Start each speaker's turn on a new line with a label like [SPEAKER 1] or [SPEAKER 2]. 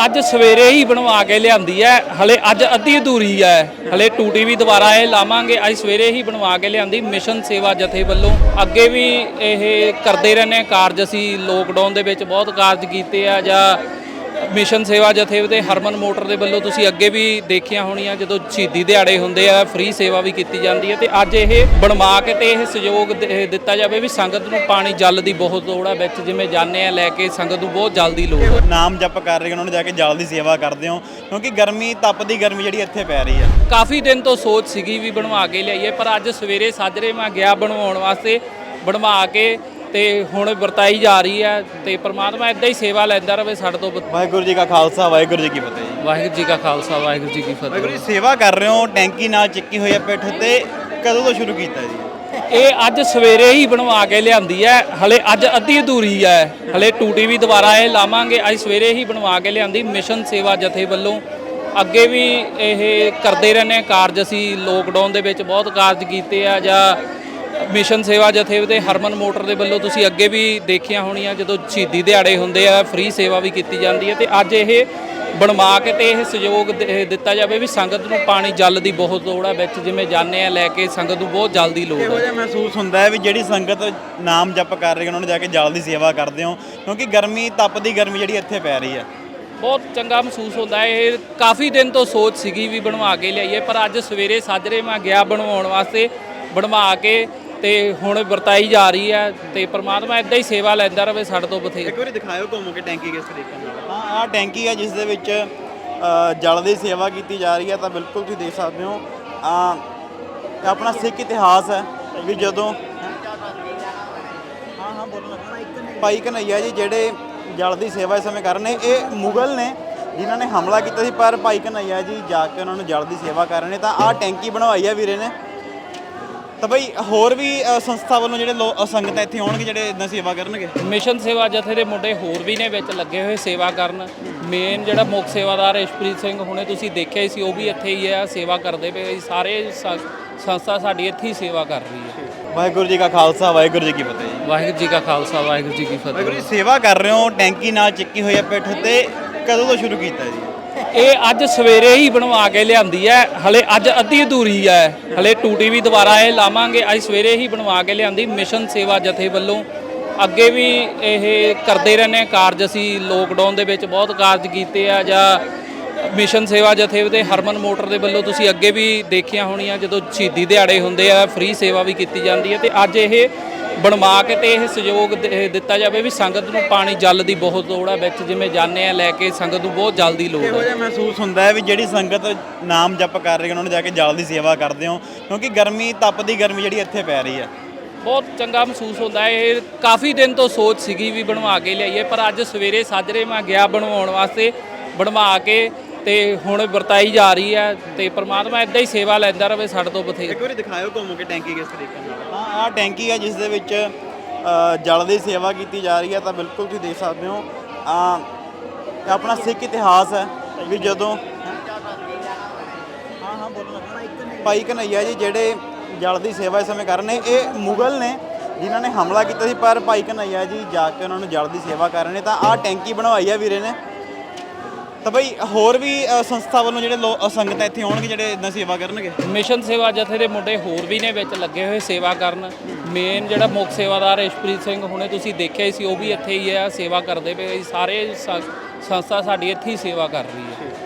[SPEAKER 1] ਅੱਜ ਸਵੇਰੇ ਹੀ ਬਣਵਾ ਕੇ ਲਿਆਂਦੀ ਹੈ। ਹਲੇ ਅੱਜ ਅੱਧੀ ਅਧੂਰੀ ਹੈ, ਹਲੇ ਟੂਟੀ ਵੀ ਦੁਬਾਰਾ ਇਹ ਲਾਵਾਂਗੇ। ਅੱਜ ਸਵੇਰੇ ਹੀ ਬਣਵਾ ਕੇ ਲਿਆਂਦੀ ਮਿਸ਼ਨ ਸੇਵਾ ਜਥੇ ਵੱਲੋਂ। ਅੱਗੇ ਵੀ ਇਹ ਕਰਦੇ ਰਹਿੰਦੇ ਕਾਰਜ, ਅਸੀਂ ਲੋਕਡਾਊਨ ਦੇ ਵਿੱਚ ਬਹੁਤ ਕਾਰਜ ਕੀਤੇ ਆ, ਜਾਂ ਮਿਸ਼ਨ ਸੇਵਾ ਜਥੇ ਦੇ ਹਰਮਨ ਮੋਟਰ ਦੇ ਵੱਲੋਂ ਤੁਸੀਂ ਅੱਗੇ ਵੀ ਦੇਖੀਆਂ ਹੋਣੀਆਂ, ਜਦੋਂ ਸ਼ਹੀਦੀ ਦਿਹਾੜੇ ਹੁੰਦੇ ਆ ਫ੍ਰੀ ਸੇਵਾ ਵੀ ਕੀਤੀ ਜਾਂਦੀ ਹੈ। ਤੇ ਅੱਜ ਇਹ ਬਣਵਾ ਕੇ ਤੇ ਇਹ ਸਹਿਯੋਗ ਦਿੱਤਾ ਜਾਵੇ ਵੀ ਸੰਗਤ ਨੂੰ ਪਾਣੀ ਜਲ ਦੀ ਬਹੁਤ ਲੋੜ ਆ ਵਿੱਚ, ਜਿਵੇਂ ਜਾਂਦੇ ਆ ਲੈ ਕੇ ਸੰਗਤ ਨੂੰ ਬਹੁਤ ਜਲ ਦੀ ਲੋੜ ਹੈ।
[SPEAKER 2] ਨਾਮ ਜਪ ਕਰ ਰਹੇ ਉਹਨਾਂ ਨੂੰ ਜਾ ਕੇ ਜਲ ਦੀ ਸੇਵਾ ਕਰਦੇ ਹੋ, ਕਿਉਂਕਿ ਗਰਮੀ ਤਪਦੀ ਗਰਮੀ ਜਿਹੜੀ ਇੱਥੇ ਪੈ ਰਹੀ ਹੈ।
[SPEAKER 1] ਕਾਫੀ ਦਿਨ ਤੋਂ ਸੋਚ ਸੀਗੀ ਵੀ ਬਣਵਾ ਕੇ ਲਿਆਈਏ, ਪਰ ਅੱਜ ਸਵੇਰੇ ਸਾਜਰੇ ਮੈਂ ਗਿਆ ਬਣਵਾਉਣ ਵਾਸਤੇ, ਬਣਵਾ ਕੇ ਤੇ ਹੁਣ ਵਰਤਾਈ ਜਾ ਰਹੀ ਹੈ। ਤੇ ਪ੍ਰਮਾਤਮਾ ਇਦਾਂ ਹੀ ਸੇਵਾ ਲੈਂਦਾ ਰਹੇ ਸਾਡੇ ਤੋਂ।
[SPEAKER 2] ਵਾਹਿਗੁਰੂ ਜੀ ਕਾ ਖਾਲਸਾ ਵਾਹਿਗੁਰੂ ਜੀ ਕੀ ਫਤਿਹ ਜੀ।
[SPEAKER 1] ਵਾਹਿਗੁਰੂ ਜੀ ਕਾ ਖਾਲਸਾ ਵਾਹਿਗੁਰੂ ਜੀ ਕੀ
[SPEAKER 2] ਵਾਹਿਗੁਰੂ
[SPEAKER 1] ਫਤਿਹ।
[SPEAKER 2] ਜੀ ਸੇਵਾ ਕਰ ਰਹੇ ਹੋ, ਟੈਂਕੀ ਨਾਲ ਚੱਕੀ ਹੋਈ ਹੈ ਪਿੱਠ ਤੇ, ਕਦੋਂ ਤੋਂ ਸ਼ੁਰੂ ਕੀਤਾ ਜੀ?
[SPEAKER 1] ਇਹ ਅੱਜ ਸਵੇਰੇ ਹੀ ਬਣਵਾ ਕੇ ਲਿਆਂਦੀ ਹੈ, ਹਲੇ ਅੱਜ ਅੱਧੀ ਅਧੂਰੀ ਹੈ, ਹਲੇ ਟੂਟੀ ਵੀ ਦੁਬਾਰਾ ਇਹ ਲਾਵਾਂਗੇ। ਅੱਜ ਸਵੇਰੇ ਹੀ ਬਣਵਾ ਕੇ ਲਿਆਂਦੀ ਮਿਸ਼ਨ ਸੇਵਾ ਜਥੇ ਵੱਲੋਂ। ਅੱਗੇ ਵੀ ਇਹ ਕਰਦੇ ਰਹਿੰਦੇ ਕਾਰਜ, ਅਸੀਂ ਲੋਕਡਾਊਨ ਦੇ ਵਿੱਚ ਬਹੁਤ ਕਾਰਜ ਕੀਤੇ ਆ, ਜਾਂ ਮਿਸ਼ਨ ਸੇਵਾ ਜਥੇ ਦੇ ਹਰਮਨ ਮੋਟਰ ਦੇ ਵੱਲੋਂ ਤੁਸੀਂ ਅੱਗੇ ਵੀ ਦੇਖੀਆਂ ਹੋਣੀਆਂ, ਜਦੋਂ ਸ਼ਹੀਦੀ ਦਿਹਾੜੇ ਹੁੰਦੇ ਆ ਫ੍ਰੀ ਸੇਵਾ ਵੀ ਕੀਤੀ ਜਾਂਦੀ ਹੈ। ਤੇ ਅੱਜ ਇਹ ਬਣਵਾ ਕੇ ਤੇ ਇਹ ਸਹਿਯੋਗ ਦਿੱਤਾ ਜਾਵੇ ਵੀ ਸੰਗਤ ਨੂੰ ਪਾਣੀ ਜਲ ਦੀ ਬਹੁਤ ਲੋੜ ਆ ਵਿੱਚ, ਜਿਵੇਂ ਜਾਂਦੇ ਆ ਲੈ ਕੇ ਸੰਗਤ ਨੂੰ ਬਹੁਤ ਜਲ ਦੀ ਲੋੜ
[SPEAKER 2] ਇਹੋ
[SPEAKER 1] ਹੈ।
[SPEAKER 2] ਜਿਹਾ ਮਹਿਸੂਸ ਹੁੰਦਾ ਹੈ ਵੀ ਜਿਹੜੀ ਸੰਗਤ ਨਾਮ ਜਪ ਕਰ ਰਹੀ ਉਹਨਾਂ ਨੂੰ ਜਾ ਕੇ ਜਲ ਦੀ ਸੇਵਾ ਕਰਦੇ ਹੋ, ਕਿਉਂਕਿ ਗਰਮੀ ਤਪਦੀ ਗਰਮੀ ਜਿਹੜੀ ਇੱਥੇ ਪੈ ਰਹੀ ਹੈ।
[SPEAKER 1] ਬਹੁਤ ਚੰਗਾ ਮਹਿਸੂਸ ਹੁੰਦਾ ਹੈ। ਇਹ ਕਾਫੀ ਦਿਨ ਤੋਂ ਸੋਚ ਸੀਗੀ ਵੀ ਬਣਵਾ ਕੇ ਲਿਆਈਏ, ਪਰ ਅੱਜ ਸਵੇਰੇ ਸਾਜਰੇ ਮੈਂ ਗਿਆ ਬਣਵਾਉਣ ਵਾਸਤੇ, ਬਣਵਾ ਕੇ ਤੇ ਹੁਣ ਵਰਤਾਈ ਜਾ ਰਹੀ ਹੈ। ਤੇ ਪ੍ਰਮਾਤਮਾ ਇਦਾਂ ਹੀ ਸੇਵਾ ਲੈਂਦਾ ਰਹੇ ਸਾਡੇ ਤੋਂ ਬਥੇਰੇ।
[SPEAKER 2] ਇੱਕ ਵਾਰੀ ਦਿਖਾਇਓ ਘੁੰਮ ਕੇ ਟੈਂਕੀ ਕਿਸ ਤਰੀਕੇ ਨਾਲ। ਹਾਂ, ਆਹ ਟੈਂਕੀ ਹੈ ਜਿਸ ਦੇ ਵਿੱਚ ਜਲ ਦੀ ਸੇਵਾ ਕੀਤੀ ਜਾ ਰਹੀ ਹੈ। ਤਾਂ ਬਿਲਕੁਲ ਤੁਸੀਂ ਦੇਖ ਸਕਦੇ ਹੋ, ਆਪਣਾ ਸਿੱਖ ਇਤਿਹਾਸ ਹੈ ਵੀ ਜਦੋਂ ਭਾਈ ਕਨ੍ਹਈਆ ਜੀ ਜਿਹੜੇ ਜਲ ਦੀ ਸੇਵਾ ਇਸ ਸਮੇਂ ਕਰ ਰਹੇ ਨੇ, ਇਹ ਮੁਗਲ ਨੇ ਜਿਨ੍ਹਾਂ ਨੇ ਹਮਲਾ ਕੀਤਾ ਸੀ, ਪਰ ਭਾਈ ਕਨ੍ਹਈਆ ਜੀ ਜਾ ਕੇ ਉਹਨਾਂ ਨੂੰ ਜਲ ਦੀ ਸੇਵਾ ਕਰ ਰਹੇ ਨੇ। ਤਾਂ ਆਹ ਟੈਂਕੀ ਬਣਵਾਈ ਹੈ ਵੀਰੇ ਨੇ। ਤਾਂ ਬਈ ਹੋਰ ਵੀ ਸੰਸਥਾ ਵੱਲੋਂ ਜਿਹੜੇ ਸੰਗਤਾਂ ਇੱਥੇ ਆਉਣਗੇ ਜਿਹੜੇ ਇਦਾਂ ਸੇਵਾ ਕਰਨਗੇ।
[SPEAKER 1] ਮਿਸ਼ਨ ਸੇਵਾ ਜਥੇ ਦੇ ਮੁੰਡੇ ਹੋਰ ਵੀ ਨੇ ਵਿੱਚ ਲੱਗੇ ਹੋਏ ਸੇਵਾ ਕਰਨ। ਮੇਨ ਜਿਹੜਾ ਮੁੱਖ ਸੇਵਾਦਾਰ ਇਸ਼ਪ੍ਰੀਤ ਸਿੰਘ ਹੁਣੇ ਤੁਸੀਂ ਦੇਖਿਆ ਹੀ ਸੀ, ਉਹ ਵੀ ਇੱਥੇ ਹੀ ਹੈ, ਸੇਵਾ ਕਰਦੇ ਪਏ। ਸਾਰੇ ਸੰਸਥਾ ਸਾਡੀ ਇੱਥੇ ਹੀ ਸੇਵਾ ਕਰ ਰਹੀ ਹੈ।
[SPEAKER 2] ਵਾਹਿਗੁਰੂ ਜੀ ਕਾ ਖਾਲਸਾ ਵਾਹਿਗੁਰੂ ਜੀ ਕੀ ਫਤਿਹ ਜੀ।
[SPEAKER 1] ਵਾਹਿਗੁਰੂ ਜੀ ਕਾ ਖਾਲਸਾ ਵਾਹਿਗੁਰੂ ਜੀ ਕੀ
[SPEAKER 2] ਵਾਹਿਗੁਰੂ ਜੀ
[SPEAKER 1] ਫਤਿਹ।
[SPEAKER 2] ਸੇਵਾ ਕਰ ਰਹੇ ਹੋ, ਟੈਂਕੀ ਨਾਲ ਚੱਕੀ ਹੋਈ ਹੈ ਪਿੱਠ ਤੇ, ਕਦੋਂ ਤੋਂ ਸ਼ੁਰੂ ਕੀਤਾ ਜੀ?
[SPEAKER 1] ਇਹ ਅੱਜ ਸਵੇਰੇ ਹੀ ਬਣਵਾ ਕੇ ਲਿਆਂਦੀ ਹੈ, ਹਲੇ ਅੱਜ ਅੱਧੀ ਅਧੂਰੀ ਹੈ, ਹਲੇ ਟੂਟੀ ਵੀ ਦੁਬਾਰਾ ਇਹ ਲਾਵਾਂਗੇ। ਅੱਜ ਸਵੇਰੇ ਹੀ ਬਣਵਾ ਕੇ ਲਿਆਂਦੀ ਮਿਸ਼ਨ ਸੇਵਾ ਜਥੇ ਵੱਲੋਂ। ਅੱਗੇ ਵੀ ਇਹ ਕਰਦੇ ਰਹਿੰਦੇ ਕਾਰਜ, ਅਸੀਂ ਲੋਕਡਾਊਨ ਦੇ ਵਿੱਚ ਬਹੁਤ ਕਾਰਜ ਕੀਤੇ ਆ, ਜਾਂ ਮਿਸ਼ਨ ਸੇਵਾ ਜਥੇ ਦੇ ਹਰਮਨ ਮੋਟਰ ਦੇ ਵੱਲੋਂ ਤੁਸੀਂ ਅੱਗੇ ਵੀ ਦੇਖੀਆਂ ਹੋਣੀਆਂ, ਜਦੋਂ ਸ਼ਹੀਦੀ ਦਿਹਾੜੇ ਹੁੰਦੇ ਆ ਫ੍ਰੀ ਸੇਵਾ ਵੀ ਕੀਤੀ ਜਾਂਦੀ ਹੈ। ਤੇ ਅੱਜ ਇਹ ਬਣਵਾ ਕੇ ਤੇ ਇਹ ਸਹਿਯੋਗ ਦਿੱਤਾ ਜਾਵੇ ਵੀ ਸੰਗਤ ਨੂੰ ਪਾਣੀ ਜਲ ਦੀ ਬਹੁਤ ਲੋੜ ਆ ਵਿੱਚ, ਜਿਵੇਂ ਜਾਂਦੇ ਆ ਲੈ ਕੇ ਸੰਗਤ ਨੂੰ ਬਹੁਤ ਜਲ ਦੀ ਲੋੜ
[SPEAKER 2] ਇਹੋ
[SPEAKER 1] ਹੈ।
[SPEAKER 2] ਜਿਹਾ ਮਹਿਸੂਸ ਹੁੰਦਾ ਹੈ ਵੀ ਜਿਹੜੀ ਸੰਗਤ ਨਾਮ ਜਪ ਕਰ ਰਹੀ ਉਹਨਾਂ ਨੂੰ ਜਾ ਕੇ ਜਲ ਦੀ ਸੇਵਾ ਕਰਦੇ ਹੋ, ਕਿਉਂਕਿ ਗਰਮੀ ਤਪਦੀ ਗਰਮੀ ਜਿਹੜੀ ਇੱਥੇ ਪੈ ਰਹੀ ਹੈ।
[SPEAKER 1] ਬਹੁਤ ਚੰਗਾ ਮਹਿਸੂਸ ਹੁੰਦਾ ਹੈ। ਇਹ ਕਾਫੀ ਦਿਨ ਤੋਂ ਸੋਚ ਸੀਗੀ ਵੀ ਬਣਵਾ ਕੇ ਲਿਆਈਏ, ਪਰ ਅੱਜ ਸਵੇਰੇ ਸਾਜਰੇ ਮੈਂ ਗਿਆ ਬਣਵਾਉਣ ਵਾਸਤੇ, ਬਣਵਾ ਕੇ ਤੇ ਹੁਣ ਵਰਤਾਈ ਜਾ ਰਹੀ ਹੈ। ਤੇ ਪ੍ਰਮਾਤਮਾ ਇਦਾਂ ਹੀ ਸੇਵਾ ਲੈਂਦਾ ਰਹੇ ਸਾਡੇ ਤੋਂ ਬਥੇਰੇ।
[SPEAKER 2] ਇੱਕ ਵਾਰੀ ਦਿਖਾਇਓ ਘੁੰਮ ਕੇ ਟੈਂਕੀ ਕਿਸ ਤਰੀਕੇ ਨਾਲ। ਹਾਂ, ਆਹ ਟੈਂਕੀ ਹੈ ਜਿਸ ਦੇ ਵਿੱਚ ਜਲ ਦੀ ਸੇਵਾ ਕੀਤੀ ਜਾ ਰਹੀ ਹੈ। ਤਾਂ ਬਿਲਕੁਲ ਤੁਸੀਂ ਦੇਖ ਸਕਦੇ ਹੋ, ਆਪਣਾ ਸਿੱਖ ਇਤਿਹਾਸ ਹੈ ਵੀ ਜਦੋਂ ਭਾਈ ਕਨ੍ਹਈਆ ਜੀ ਜਿਹੜੇ ਜਲ ਦੀ ਸੇਵਾ ਇਸ ਸਮੇਂ ਕਰ ਰਹੇ ਨੇ, ਇਹ ਮੁਗਲ ਨੇ ਜਿਨ੍ਹਾਂ ਨੇ ਹਮਲਾ ਕੀਤਾ ਸੀ, ਪਰ ਭਾਈ ਕਨ੍ਹਈਆ ਜੀ ਜਾ ਕੇ ਉਹਨਾਂ ਨੂੰ ਜਲ ਦੀ ਸੇਵਾ ਕਰ ਰਹੇ ਨੇ। ਤਾਂ ਆਹ ਟੈਂਕੀ ਬਣਵਾਈ ਹੈ ਵੀਰੇ ਨੇ। ਤਾਂ ਬਈ ਹੋਰ ਵੀ ਸੰਸਥਾ ਵੱਲੋਂ ਜਿਹੜੇ ਸੰਗਤਾਂ ਇੱਥੇ ਆਉਣਗੇ ਜਿਹੜੇ ਇਦਾਂ ਸੇਵਾ ਕਰਨਗੇ।
[SPEAKER 1] ਮਿਸ਼ਨ ਸੇਵਾ ਜਥੇ ਦੇ ਮੁੰਡੇ ਹੋਰ ਵੀ ਨੇ ਵਿੱਚ ਲੱਗੇ ਹੋਏ ਸੇਵਾ ਕਰਨ। ਮੇਨ ਜਿਹੜਾ ਮੁੱਖ ਸੇਵਾਦਾਰ ਇਸ਼ਪ੍ਰੀਤ ਸਿੰਘ ਹੁਣੇ ਤੁਸੀਂ ਦੇਖਿਆ ਹੀ ਸੀ, ਉਹ ਵੀ ਇੱਥੇ ਹੀ ਹੈ, ਸੇਵਾ ਕਰਦੇ ਪਏ। ਸਾਰੇ ਸੰਸਥਾ ਸਾਡੀ ਇੱਥੇ ਹੀ ਸੇਵਾ ਕਰ ਰਹੀ ਹੈ।